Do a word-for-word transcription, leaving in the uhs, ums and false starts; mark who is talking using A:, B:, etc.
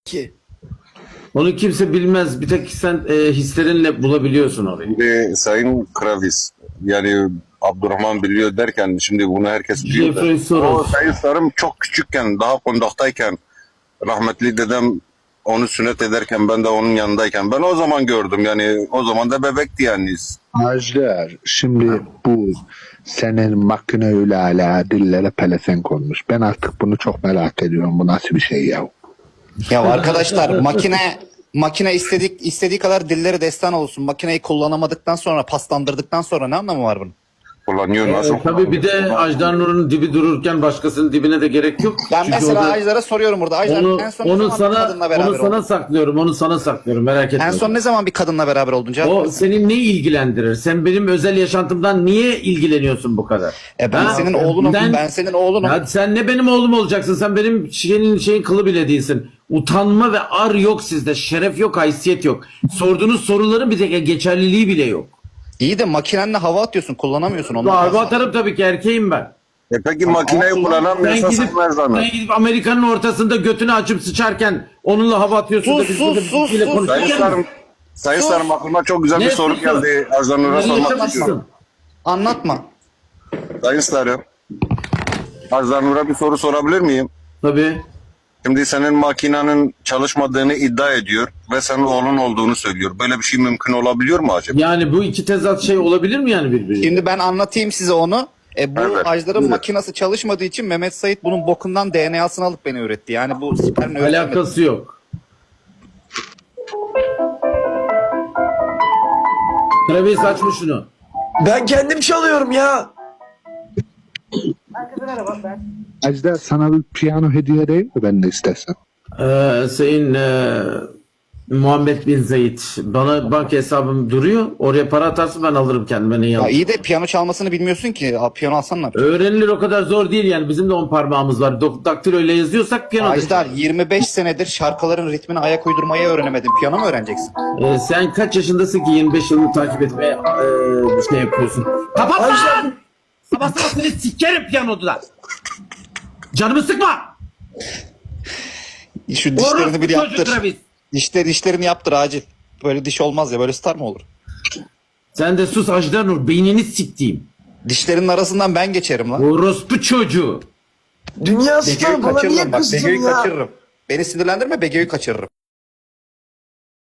A: ki.
B: Onu kimse bilmez. Bir tek sen e, hislerinle bulabiliyorsun orayı.
C: Şimdi Sayın Kravis, yani Abdurrahman biliyor derken şimdi bunu herkes biliyor. da.
B: Jeffrey Soros.
C: O Sayın Sarım çok küçükken, daha kondaktayken, rahmetli dedem onu sünnet ederken, ben de onun yanındayken, ben o zaman gördüm, yani o zaman da bebekti yani.
D: Ajdar, şimdi bu senin makineyle ala dillere pelesenk olmuş. Ben artık bunu çok merak ediyorum. Bu nasıl bir şey ya?
A: Ya arkadaşlar makine makine istedik istediği kadar dilleri destan olsun. Makineyi kullanamadıktan sonra, paslandırdıktan sonra ne anlamı var bunun?
C: Kullanıyor, nasıl
B: E, tabii bir de Ajdar Nur'un dibi dururken başkasının dibine de gerek yok.
A: Ben
B: Çünkü
A: mesela
B: o da-
A: Ajdar'a soruyorum burada. Ajdar
B: onu,
A: en son ne
B: onu
A: zaman bir
B: sana
A: kadınla beraber
B: onu sana
A: oldun?
B: saklıyorum. Onu sana saklıyorum. Merak etme.
A: En son ne zaman bir kadınla beraber oldun Cevap
B: O
A: ver.
B: senin ne ilgilendirir? Sen benim özel yaşantımdan niye ilgileniyorsun bu kadar?
A: E ben
B: Ha?
A: senin oğlunum.
B: Ben-
A: Ben, senin oğlunum.
B: Ya sen ne benim oğlum olacaksın? Sen benim şeyin şeyin kılı bile değilsin. Utanma ve ar yok sizde. Şeref yok, haysiyet yok. Sorduğunuz soruların bir tek geçerliliği bile yok.
A: İyi de makinenle hava atıyorsun. Kullanamıyorsun onu.
B: Araba atarım tabii ki, erkeğim ben.
C: E peki makineyi
B: Ben
C: kullanamıyorsa
B: gidip,
C: sen ver zahmet.
B: ben gidip Amerika'nın ortasında götünü açıp sıçarken onunla hava atıyorsun
A: Sus,
B: da biz
A: sus,
B: burada
A: sus,
B: biriyle
A: sus.
B: konuşurken-
C: Sayın Sarım, Sayın
A: Sus.
C: Sarım aklıma çok güzel bir
B: Ne
C: soru
B: susu?
C: geldi. Ajdar Nur'a
B: Ne
C: sormak
B: yaşamışsın?
C: istiyorum.
A: Anlatma.
C: Sayın Sarım, Ajdar Nur'a bir soru sorabilir miyim?
B: Tabii.
C: Şimdi senin makinenin çalışmadığını iddia ediyor ve senin oğlun olduğunu söylüyor. Böyle bir şey mümkün olabiliyor mu acaba?
B: Yani bu iki tezat şey olabilir mi yani birbirine?
A: Şimdi ben anlatayım size onu. E bu
C: Evet,
A: Ajdar'ın
C: buyurun.
A: makinesi çalışmadığı için Mehmet Sait bunun bokundan D N A'sını alıp beni üretti. Yani bu spermle üretemedi.
B: Alakası yok. Travis açmış şunu.
E: Ben kendim çalıyorum ya.
D: Ajdar, sana bir piyano hediye edeyim mi ben de istersen?
B: Ee, Sayın e, Muhammed Bin Zayid, bana banka hesabım duruyor. Oraya para atarsın, ben alırım kendime. Ne
A: Ya
B: yalan.
A: iyi de piyano çalmasını bilmiyorsun ki. Aa, piyano alsan ne yapacaksın?
B: Öğrenilir, o kadar zor değil yani. Bizim de on parmağımız var. Dok- Daktilo ile yazıyorsak piyano.
A: Ajdar yirmi beş senedir şarkıların ritmine ayak uydurmayı öğrenemedin. Piyano mu öğreneceksin?
B: Ee, sen kaç yaşındasın ki yirmi beş yılını takip etmeye e, bir şey yapıyorsun? Kapat lan!
E: Ajdar,
B: Sabah sabah seni sikerim piyanoda. Canımı sıkma!
A: Şu dişlerini
B: Orospu
A: bir
B: çocuk
A: yaptır.
B: Travis.
A: Dişler, dişlerini yaptır acil. Böyle diş olmaz ya. Böyle star mı olur?
B: Sen de sus Ajdar Nur, beynini siktiğim.
A: Dişlerinin arasından ben geçerim lan.
B: Orospu çocuğu.
E: dünya
A: Bege'yi
E: starı bana niye
A: kaçırırım bak.
E: kızdın
A: Bege'yi
E: ya?
A: kaçırırım. Beni sinirlendirme, Bege'yi kaçırırım.